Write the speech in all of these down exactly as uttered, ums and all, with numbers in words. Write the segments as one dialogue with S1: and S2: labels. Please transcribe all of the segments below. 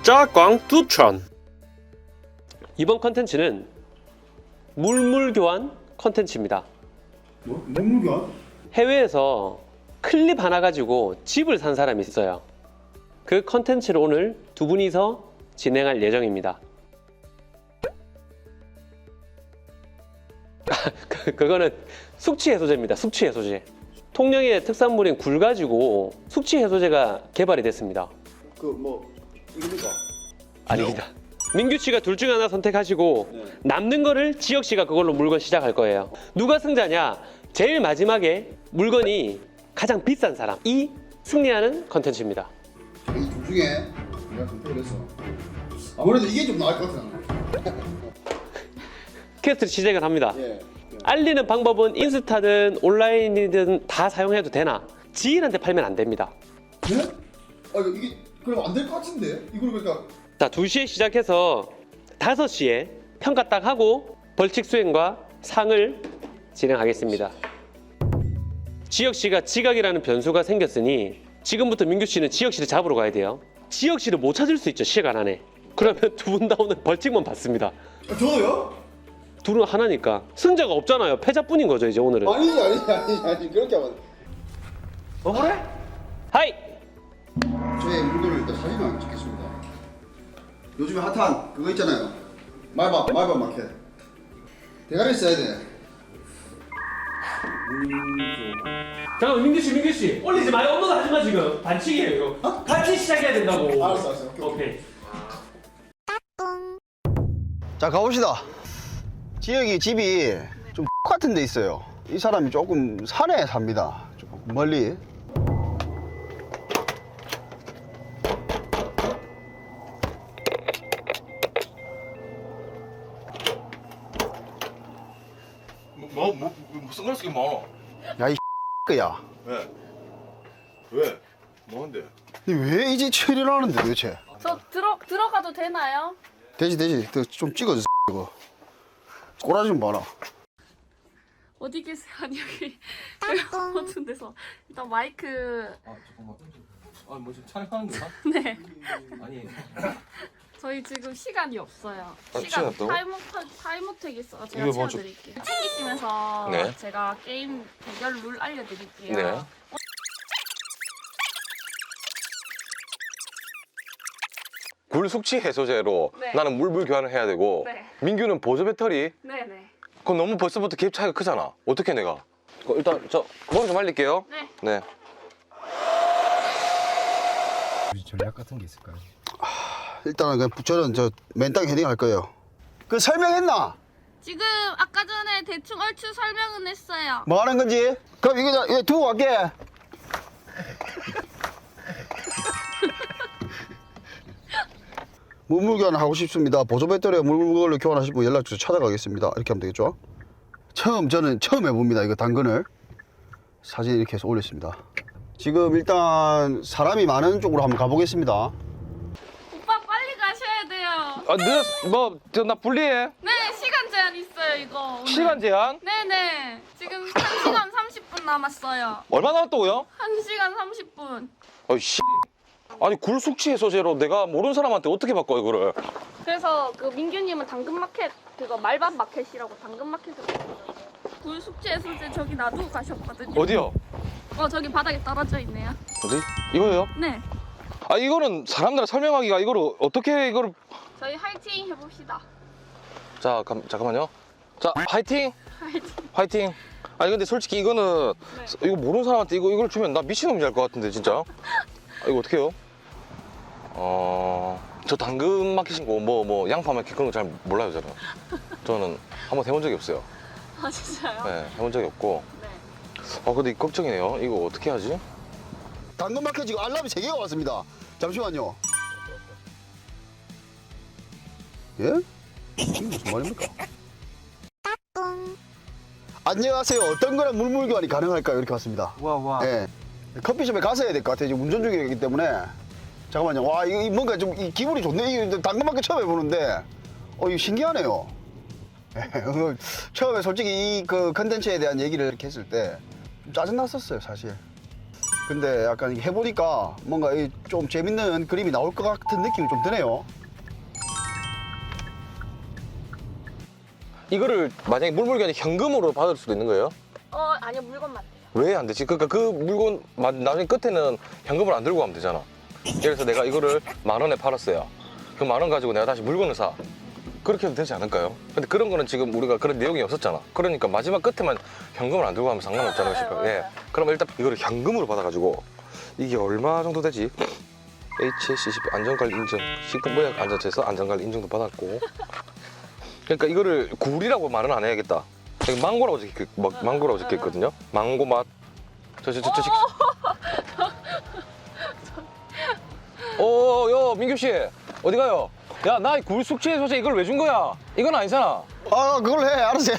S1: 짜광두천. 이번 컨텐츠는 물물교환 컨텐츠입니다.
S2: 뭐? 물물교환?
S1: 해외에서 클립 하나 가지고 집을 산 사람이 있어요. 그 컨텐츠를 오늘 두 분이서 진행할 예정입니다. 그, 그거는 숙취 해소제입니다. 숙취 해소제. 통영의 특산물인 굴 가지고 숙취 해소제가 개발이 됐습니다.
S2: 그 뭐 이겁니까?
S1: 아닙니다. 민규 씨가 둘 중 하나 선택하시고
S2: 네.
S1: 남는 거를 지혁 씨가 그걸로 물건 시작할 거예요. 누가 승자냐? 제일 마지막에 물건이 가장 비싼 사람이 승리하는 컨텐츠입니다.
S2: 이 둘 중에 내가 선택을 했어. 아무래도 이게 좀 나을 것 같아 나는.
S1: 퀘스트를 시작을 합니다.
S2: 예.
S1: 알리는 방법은 인스타든 온라인이든 다 사용해도 되나? 지인한테 팔면 안 됩니다.
S2: 네? 아 이거 이게 그럼 안 될 것 같은데? 이걸 그러니까
S1: 자, 두 시에 시작해서 다섯 시에 평가 딱 하고 벌칙 수행과 상을 진행하겠습니다. 지혁 씨가 지각이라는 변수가 생겼으니 지금부터 민규 씨는 지혁 씨를 잡으러 가야 돼요. 지혁 씨를 못 찾을 수 있죠, 시간 안에. 그러면 두 분 다 오늘 벌칙만 받습니다.
S2: 아, 저요?
S1: 둘은 하나니까 승자가 없잖아요. 패자뿐인 거죠, 이제 오늘은.
S2: 아니지 아니지 아니지 아니 그렇게 하면
S1: 어 그래? 하이!
S2: 저의 물건을 일단 사진을 찍겠습니다. 요즘에 핫한 그거 있잖아요. 말밥 말밥 마켓. 대가리 써야 돼.
S1: 잠깐만, 민규 씨, 민규 씨, 올리지 마요. 업로드 하지 마 지금. 반칙이에요 이거.
S2: 어?
S1: 같이 시작해야 된다고.
S2: 알았어 알았어. 오케이.
S1: 오케이.
S3: 자 가봅시다. 지혁이 집이 좀 같은 데 있어요. 이 사람이 조금 산에 삽니다. 조금 멀리.
S4: 뭐, 뭐, 뭐 선글라스 끼면 많아.
S3: 야이 야.
S4: 왜? 왜? 뭐한데?
S3: 왜 이제 처리를 하는데 도대체?
S5: 저 들어 들어가도 되나요?
S3: 되지 되지. 좀 찍어줘 이거. 꼬라지 좀 봐라.
S5: 어디 계세요? 아니 여기 여기 어떤 데서 일단 마이크
S4: 아 잠깐만. 아 뭐 지금 촬영하는 거야?
S5: 네
S4: 아니.
S5: 저희 지금 시간이 없어요.
S4: 아,
S5: 시간
S4: 시간 없다고?
S5: 타이머 타이머택 있어. 제가
S4: 이거 뭐 좀-
S5: 채워드릴게요. 챙기시면서
S4: 네.
S5: 제가 게임 대결 룰 알려드릴게요.
S4: 네. 굴 숙취 해소제로
S5: 네.
S4: 나는 물물 교환을 해야 되고
S5: 네.
S4: 민규는 보조 배터리.
S5: 네네.
S4: 그건 너무 벌써부터 갭 차이가 크잖아. 어떻게 내가? 그 일단 저 머리 좀 말릴게요.
S5: 네.
S4: 네.
S6: 전략 같은 게 있을까요?
S3: 일단은 그냥 저는 저 맨땅 헤딩 할 거예요. 그 설명했나?
S5: 지금 아까 전에 대충 얼추 설명은 했어요.
S3: 뭐 하는 건지? 그럼 이거 이거 두고 갈게. 물물 교환을 하고 싶습니다. 보조 배터리와 물물로 교환하실 분 연락 주세요. 찾아가겠습니다. 이렇게 하면 되겠죠? 처음 저는 처음 해봅니다. 이거 당근을 사진 이렇게 해서 올렸습니다. 지금 일단 사람이 많은 쪽으로 한번 가보겠습니다.
S5: 오빠 빨리 가셔야 돼요.
S4: 아, 늦, 뭐, 저, 나 불리해.
S5: 네 시간 제한 있어요 이거. 오늘.
S4: 시간 제한?
S5: 네네. 지금 한 시간 삼십 분 남았어요.
S4: 얼마 남았다고요?
S5: 한 시간 삼십 분.
S4: 아이, 씨. 아니, 굴 숙취 해소제로 내가 모르는 사람한테 어떻게 바꿔, 이거를?
S5: 그래서 그 민규님은 당근마켓 그거 말밥 마켓이라고 당근마켓을 굴 숙제 해소제 저기 놔두고 가셨거든요.
S4: 어디요?
S5: 어 저기 바닥에 떨어져 있네요.
S4: 어디? 이거요?
S5: 네.
S4: 아, 이거는 사람들 설명하기가 이거를 어떻게 이거를.
S5: 저희 화이팅 해봅시다.
S4: 자, 감, 잠깐만요. 자, 화이팅!
S5: 화이팅.
S4: 화이팅! 아니, 근데 솔직히 이거는
S5: 네.
S4: 이거 모르는 사람한테 이거, 이걸 주면 나 미친놈이 할 것 같은데, 진짜. 아, 이거 어떻게 해요? 어, 저 당근 마켓인 거, 뭐, 뭐, 양파 마켓 그런 거 잘 몰라요, 저는. 저는 한번 해본 적이 없어요.
S5: 아 진짜요?
S4: 네, 해본 적이 없고.
S5: 네.
S4: 아, 근데 걱정이네요. 이거 어떻게 하지?
S3: 당근마켓 지금 알람이 세 개가 왔습니다. 잠시만요. 예? 이게 무슨 말입니까? 안녕하세요. 어떤 거랑 물물 교환이 가능할까요? 이렇게 왔습니다.
S6: 와 와.
S3: 예. 커피숍에 가서 해야 될 것 같아요. 지금 운전 중이기 때문에. 잠깐만요. 와, 이거 뭔가 좀 이 기분이 좋네. 이거 당근마켓 처음 해보는데, 어, 이거 신기하네요. 예, 처음에 솔직히 이 그 컨텐츠에 대한 얘기를 이렇게 했을 때 좀 짜증났었어요, 사실. 근데 약간 이게 해보니까 뭔가 이좀 재밌는 그림이 나올 것 같은 느낌이 좀 드네요.
S4: 이거를 만약에 물물교환이 현금으로 받을 수도 있는 거예요?
S5: 어 아니요 물건만 돼요.
S4: 왜 안 되지? 그러니까 그 물건 마- 나중에 끝에는 현금을 안 들고 가면 되잖아. 예를 들어서 내가 이거를 만 원에 팔았어요. 그 만 원 가지고 내가 다시 물건을 사. 그렇게 해도 되지 않을까요? 근데 그런 거는 지금 우리가 그런 내용이 없었잖아. 그러니까 마지막 끝에만 현금을 안 들고 가면 상관없잖아요.
S5: 네,
S4: 싶어요.
S5: 네,
S4: 예.
S5: 맞아요.
S4: 그럼 일단 이거를 현금으로 받아가지고 이게 얼마 정도 되지? 에이치에스씨씨피 안전관리 인증, 식품보약 안전처에서 안전관리 인증도 받았고. 그러니까 이거를 굴이라고 말은 안 해야겠다. 여기 망고라고 적혀, 막 망고라고 적혀 있거든요. 망고 맛. 저, 저, 저, 저, 저. 어, 여, 민규 씨, 어디 가요? 야, 나 굴 숙취 해소제 이걸 왜 준 거야? 이건 아니잖아.
S3: 아, 그걸 해. 알았어.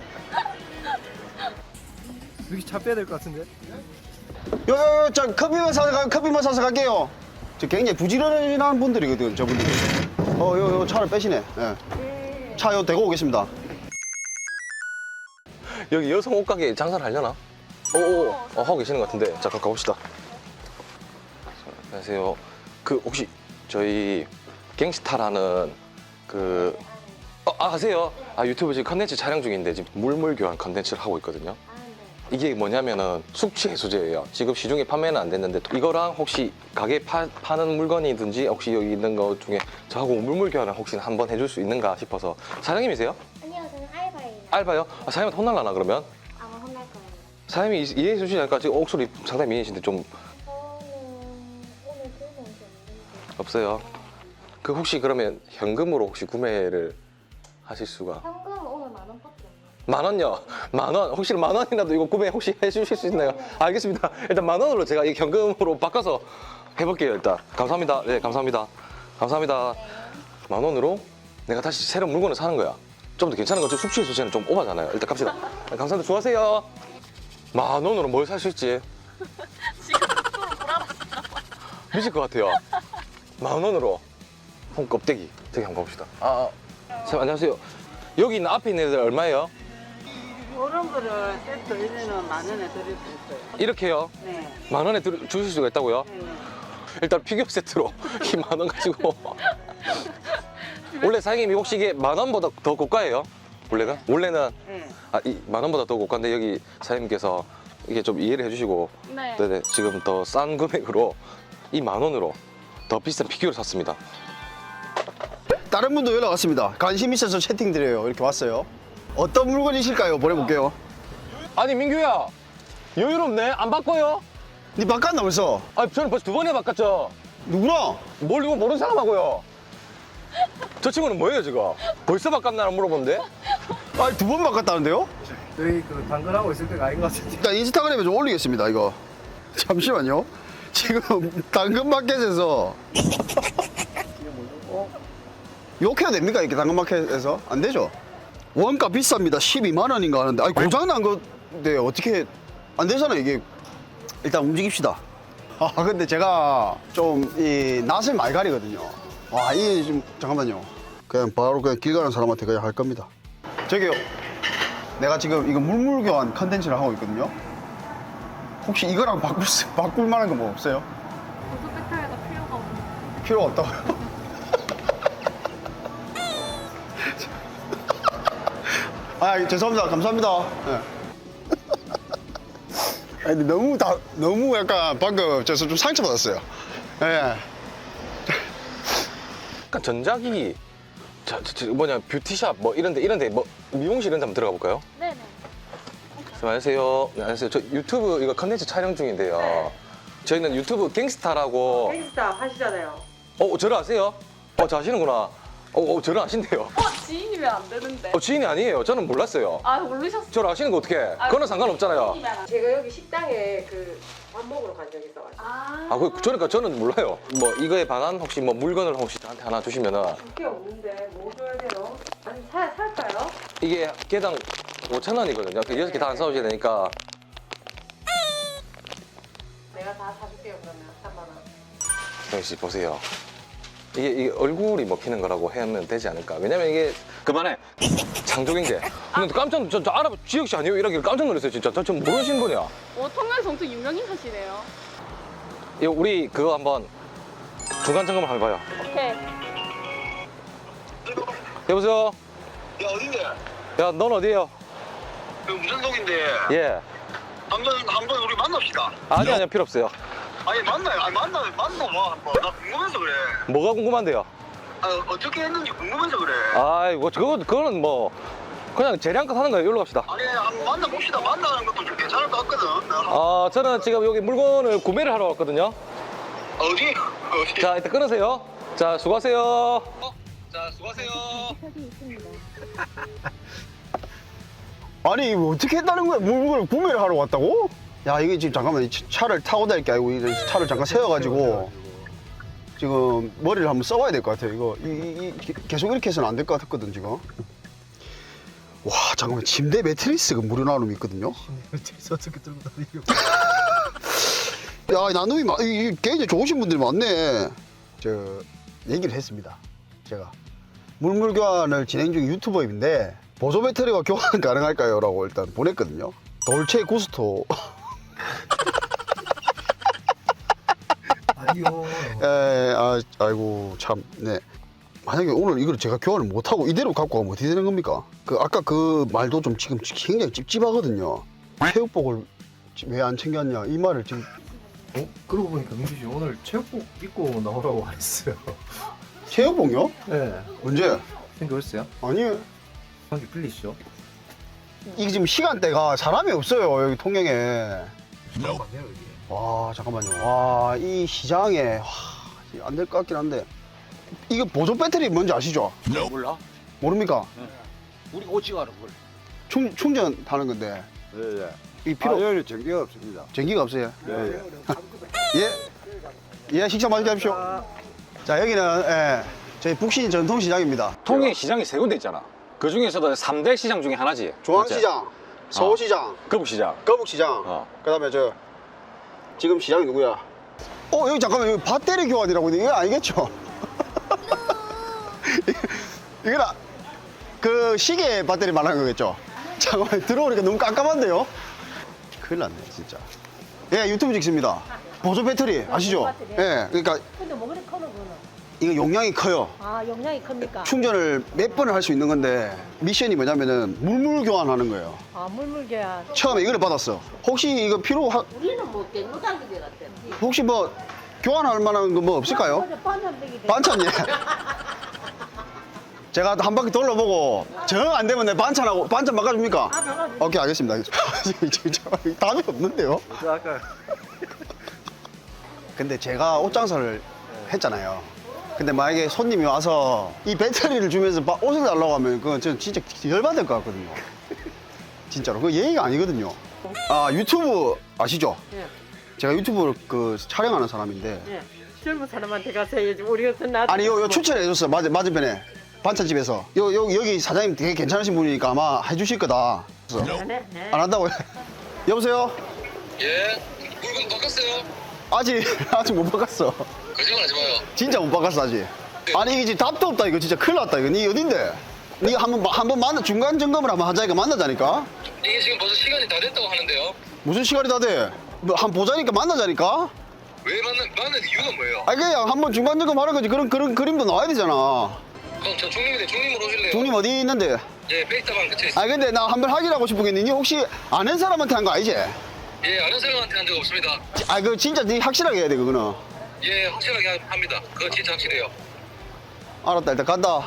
S6: 여기 차 빼야 될 것 같은데?
S3: 요, 요, 요, 저 커피만 사서 가, 커피만 사서 갈게요. 저 굉장히 부지런한 분들이거든, 저분들이. 어, 요, 요 차를 빼시네. 예. 차 요 대고 오겠습니다.
S4: 여기 여성 옷가게 장사를 하려나? 오, 어, 하고 계시는 것 같은데. 자, 그럼 가봅시다. 안녕하세요. 그, 혹시 저희 갱스타라는 그, 어, 아, 아세요? 아, 유튜브 지금 컨텐츠 촬영 중인데 지금 물물 교환 컨텐츠를 하고 있거든요. 이게 뭐냐면은 숙취 해소제예요. 지금 시중에 판매는 안 됐는데 이거랑 혹시 가게 파, 파는 물건이든지 혹시 여기 있는 거 중에 저하고 물물 교환을 혹시 한번 해줄 수 있는가 싶어서. 사장님이세요?
S7: 아니요, 저는 알바예요.
S4: 알바요? 아, 사장님한테 혼날라나 그러면?
S7: 아마 혼날 거예요.
S4: 사장님이 이- 이해해 주시지 않을까? 지금 목소리 상당히 미인이신데 좀
S7: 저는 오늘 들고 온 게 없는데.
S4: 없어요. 그 혹시 그러면 현금으로 혹시 구매를 하실 수가?
S7: 현금은 오늘 만 원밖에 없네요.
S4: 만 원요? 만 원? 혹시 만 원이라도 이거 구매 혹시 해주실 수 있나요? 알겠습니다. 일단 만 원으로 제가 이 현금으로 바꿔서 해볼게요. 일단 감사합니다. 네, 감사합니다. 감사합니다. 만 원으로 내가 다시 새로운 물건을 사는 거야. 좀 더 괜찮은 거죠? 숙취 해소제는 좀 오바잖아요. 일단 갑시다. 네, 감사합니다. 수고하세요. 만 원으로 뭘 살 수 있지?
S5: 지금 속도로 돌아봤어요.
S4: 미칠 것 같아요. 만 원으로 홍 껍데기 저기 한번 봅시다. 아, 선생님 안녕하세요. 여기 있는 앞에 있는 애들 얼마예요?
S8: 그런 거를 세트 이제는 만 원에 드릴 수 있어요.
S4: 이렇게요.
S8: 네.
S4: 만 원에 들, 주실 수가 있다고요?
S8: 네.
S4: 일단 피규어 세트로 이 만 원 가지고 원래 사장님이 혹시 이게 만 원보다 더 고가예요? 원래가? 원래는
S8: 네.
S4: 아, 이 만 원보다 더 고가인데 여기 사장님께서 이게 좀 이해를 해주시고
S5: 네.
S4: 네네 지금 더 싼 금액으로 이 만 원으로 더 비싼 피규어를 샀습니다.
S3: 다른 분도 연락 왔습니다. 관심 있어서 채팅 드려요. 이렇게 왔어요. 어떤 물건이실까요? 보내볼게요.
S4: 아니 민규야 여유롭네 안 바꿔요?
S3: 니 바꿨나 벌써?
S4: 아 저는 벌써 두 번이나 바꿨죠.
S3: 누구나?
S4: 뭘 이거 모르는 사람하고요. 저 친구는 뭐예요 지금? 벌써 바꿨나 물어본데?
S3: 아니, 두 번 바꿨다는데요?
S6: 저희 그 당근하고 있을 때가 아닌 것 같은데.
S3: 일단 인스타그램에 좀 올리겠습니다, 이거. 잠시만요. 지금 당근마켓에서 욕해도 됩니까? 이렇게 당근마켓에서? 안 되죠? 원가 비쌉니다. 십이만 원인가 하는데 아니 고장난 건데 어떻게 안 되잖아요, 이게. 일단 움직입시다. 아, 근데 제가 좀 이 낯을 많이 가리거든요. 와, 이게 좀 잠깐만요. 그냥 바로 그냥 길 가는 사람한테 그냥 할 겁니다. 저기요. 내가 지금 이거 물물교환 컨텐츠를 하고 있거든요. 혹시 이거랑 바꿀, 수, 바꿀 만한 거 뭐 없어요?
S5: 고속 배터리가 필요가 없는.
S3: 필요 없다고요? 아, 죄송합니다. 감사합니다. 네. 아니, 근데 너무 다, 너무 약간 방금 저서 좀 상처받았어요. 예.
S4: 약간 전자기기 자, 저, 저, 뭐냐 뷰티샵 뭐 이런데 이런데 뭐 미용실 이런 데 한번 들어가 볼까요?
S5: 네네.
S4: 안녕하세요. 네, 안녕하세요. 저 유튜브 이거 컨텐츠 촬영 중인데요.
S8: 네.
S4: 저희는 유튜브 갱스타라고.
S8: 헬스타 하시잖아요.
S4: 어, 저를 아세요? 어, 저 아시는구나. 어, 어 저를 아신대요.
S5: 어 지인이면 안 되는데.
S4: 어, 지인이 아니에요. 저는 몰랐어요.
S5: 아 모르셨어.
S4: 저를 아시는 거 어떻게? 그거는 상관없잖아요.
S8: 제가 여기 식당에 그 밥 먹으러 간 적이 있어가지고.
S5: 아.
S4: 아, 그, 저니까 저는 몰라요. 뭐 이거에 반한 혹시 뭐 물건을 혹시 저한테 하나 주시면은
S8: 그게 없는데 뭐 줘야 돼요? 아니 사, 살까요?
S4: 이게 개당 오천 원이거든요. 그 여섯 개 다 안 사오셔야 되니까.
S8: 내가 다 사줄게요 그러면 삼만 원.
S4: 정희 씨 보세요. 이게, 이게 얼굴이 먹히는 거라고 하면 되지 않을까? 왜냐면 이게 그만해. 장족인데. 근데 깜짝 저, 저 알아 지혁 씨 아니에요? 이러길 깜짝 놀랐어요 진짜. 저, 저 모르시는 분이야.
S5: 어 통영에서 엄청 유명인 하시네요.
S4: 이거 우리 그거 한번 중간 점검 한번 해봐요.
S5: 오케이.
S4: 여보세요?
S9: 야 어딘데?
S4: 야, 넌 어디에요?
S9: 여기 무전동인데
S4: 예.
S9: 한번 한번 우리 만납시다.
S4: 아니, 아니요, 필요 없어요.
S9: 아니 만나요. 아니 만나 만나봐 한번. 나 궁금해서 그래.
S4: 뭐가 궁금한데요?
S9: 아 어떻게 했는지 궁금해서 그래.
S4: 아이고, 그거, 그거는 뭐, 그냥 재량껏 하는 거예요. 여기로 갑시다.
S9: 아니 한번 만나봅시다. 만나는 것도 좀 괜찮을 것 같거든. 나
S4: 아, 저는 지금 여기 물건을 구매를 하러 왔거든요.
S9: 어디? 어디?
S4: 자, 일단 끊으세요. 자, 수고하세요. 어? 자, 수고하세요.
S3: 아니 이거 어떻게 했다는 거야? 물건을 구매를 하러 왔다고? 야 이게 지금 잠깐만 이 차- 차를 타고 다닐 게 아니고 이 차를 잠깐 세워가지고 지금 머리를 한번 써봐야 될 것 같아요. 이거 이, 이- 이- 계속 이렇게 해서는 안 될 것 같았거든 지금. 와 잠깐만 침대 매트리스가 무료 나눔이 있거든요.
S6: 어떻게 들고 다니고.
S3: 야 나눔이 많, 이- 이 굉장히 좋으신 분들이 많네. 저 얘기를 했습니다. 제가 물물 교환을 진행 중인 유튜버인데 보조 배터리와 교환 가능할까요? 라고 일단 보냈거든요. 돌체 구스토.
S6: 아니요.
S3: 에, 아, 아이고 참, 네. 만약에 오늘 이걸 제가 교환을 못하고 이대로 갖고 가면 어떻게 되는 겁니까? 그 아까 그 말도 좀 지금 굉장히 찝찝하거든요. 체육복을 왜 안 챙겼냐 이 말을 지금.
S6: 어? 그러고 보니까 민규 씨 오늘 체육복 입고 나오라고 했어요.
S3: 체육복요?
S6: 네.
S3: 언제?
S6: 생겼어요?
S3: 아니
S6: 관계 풀리시죠?
S3: 이게 지금 시간대가 사람이 없어요 여기 통영에.
S6: 잠깐만요 여기.
S3: 와 잠깐만요. 와 이 시장에 안 될 것 같긴 한데 이거 보조 배터리 뭔지 아시죠?
S10: 몰라?
S3: 모릅니까?
S10: 우리 오지가 하는 걸.
S3: 충 충전 하는 건데
S10: 예, 예.
S3: 이 필요
S10: 아, 여기 전기가 없습니다.
S3: 전기가 없어요.
S10: 예, 예.
S3: 예, 예 식사 맛있게 하십시오. 자 여기는 예, 저희 북신 전통시장입니다.
S10: 통영 시장이 세 군데 있잖아. 그 중에서도 삼 대 시장 중에 하나지.
S3: 중앙시장, 서울시장,
S10: 거북시장.
S3: 거북시장.
S10: 어.
S3: 그다음에 저 지금 시장이 누구야? 어 여기 잠깐만 여기 배터리 교환이라고 이거 아니겠죠? 이거는 그 시계 배터리 말하는 거겠죠? 잠깐만 들어오니까 너무 깜깜한데요? 큰일 났네 진짜. 예 유튜브 찍습니다. 보조 배터리 아시죠? 예 그러니까
S7: 근데 뭐 그래 커는 거는?
S3: 이거 용량이 커요.
S7: 아 용량이 큽니까?
S3: 충전을 몇 번을 할 수 있는 건데 미션이 뭐냐면은 물물 교환하는 거예요.
S7: 아 물물교환.
S3: 처음에 이거를 받았어. 혹시 이거 필요 하,
S8: 우리는 뭐 갱노당기제 같아.
S3: 혹시 뭐 교환할 만한 거 뭐 없을까요?
S7: 반찬되기 돼.
S3: 반찬 예. 제가 한 바퀴 돌려보고 정 안 되면 내 반찬하고 반찬 바꿔줍니까?
S7: 아 바꿔주세요.
S3: 오케이 알겠습니다. 진짜 답이 없는데요?
S6: 아까
S3: 근데 제가 옷 장사를 했잖아요. 근데 만약에 손님이 와서 이 배터리를 주면서 막 옷을 달라고 하면 그건 저 진짜 열받을 것 같거든요. 진짜로. 그거 예의가 아니거든요. 아 유튜브 아시죠?
S8: 예.
S3: 제가 유튜브를 그 촬영하는 사람인데
S8: 예. 젊은 사람한테 가서 해야지. 우리 같은 나도.
S3: 아니 요, 요 추천해줬어. 맞, 맞은편에 반찬집에서 요, 요, 여기 사장님 되게 괜찮으신 분이니까 아마 해주실 거다. 그래서
S8: 네, 네.
S3: 안 한다고요? 여보세요?
S9: 예. 물건 바꿨어요.
S3: 아직 아직 못 바꿨어.
S9: 거짓말하지 마요.
S3: 진짜 못 바꿨어 아직. 아니 이게 지금 답도 없다 이거 진짜 큰일 났다 이거. 니 어딘데? 니 한번 한번 만나 중간 점검을 한번 하자니까 만나자니까.
S9: 이게 지금 벌써 시간이 다 됐다고 하는데요.
S3: 무슨 시간이 다 돼? 뭐 한 보자니까 만나자니까.
S9: 왜 만나 만난 이유가 뭐예요?
S3: 아니 그냥 한번 중간 점검 하는 거지. 그런 그런 그림도 나와야 되잖아.
S9: 그럼 저 중립인데 중립으로 오실래요?
S3: 중님 어디 있는데?
S9: 예, 베이스타방 그쵸 있어요.
S3: 아니 근데 나 한번 확인하고 싶은 게 니 혹시 아는 사람한테 한 거 아니지?
S9: 예, 아는 사람한테 한 적 없습니다.
S3: 아 그 진짜 니 확실하게 해야 돼 그거는.
S9: 예, 확실하게 하- 합니다. 그거 진짜 확실해요.
S3: 알았다 일단 간다.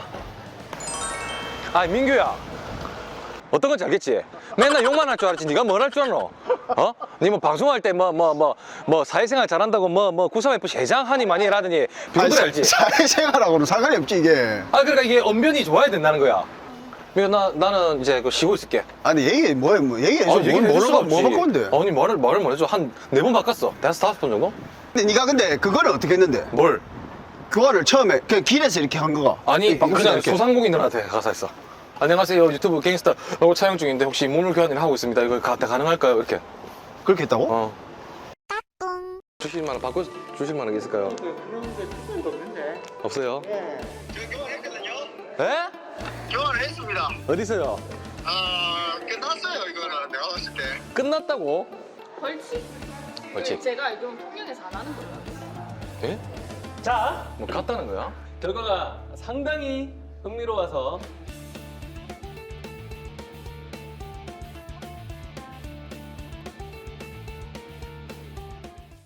S4: 아, 민규야. 어떤 건지 알겠지? 맨날 욕만 할 줄 알았지. 네가 뭘 할 줄 아노? 어? 니 뭐 방송할 때 뭐 뭐 뭐 뭐 사회생활 잘한다고 뭐 뭐 구삼에프 회장 하니 많이 라더니 비교들 알지?
S3: 사회생활하고는 상관이 없지 이게.
S4: 아, 그러니까 이게 언변이 좋아야 된다는 거야. 그러니까 나 나는 이제 그 쉬고 있을게.
S3: 아니 얘기 뭐야 뭐 얘기해줘.
S4: 아,
S3: 뭘
S4: 얘기를 해줄
S3: 뭘
S4: 수가
S3: 바- 뭐
S4: 없지.
S3: 바꿨는데?
S4: 아니 말을 말을 못 해줘. 한 네 번 바꿨어. 다섯 다섯 번 정도?
S3: 근데 네가 근데 그거를 어떻게 했는데?
S4: 뭘?
S3: 그거를 처음에 그 길에서 이렇게 한 거가.
S4: 아니
S3: 바꿨어,
S4: 그냥
S3: 이렇게.
S4: 소상공인들한테 가서 했어. 안녕하세요 유튜브 갱스터 로고 촬영 중인데 혹시 물물 교환을 하고 있습니다. 이거 가, 가능할까요? 이렇게.
S3: 그렇게 했다고?
S4: 어. 주실 만한 바꿔 주실 만한 게 있을까요?
S8: 그런데 무슨 거 없는데.
S4: 없어요?
S8: 예.
S9: 저 교환했거든요.
S4: 에?
S9: 교환을 했습니다.
S4: 어디서요?
S9: 아, 끝났어요 이거는 내가 봤을 때.
S4: 끝났다고?
S5: 벌칙.
S4: 벌칙.
S5: 제가 알기로는 통영에서 안 하는 걸로 알고 있어요.
S4: 예?
S1: 자,
S4: 뭐 갔다는 거야?
S1: 결과가 상당히 흥미로워서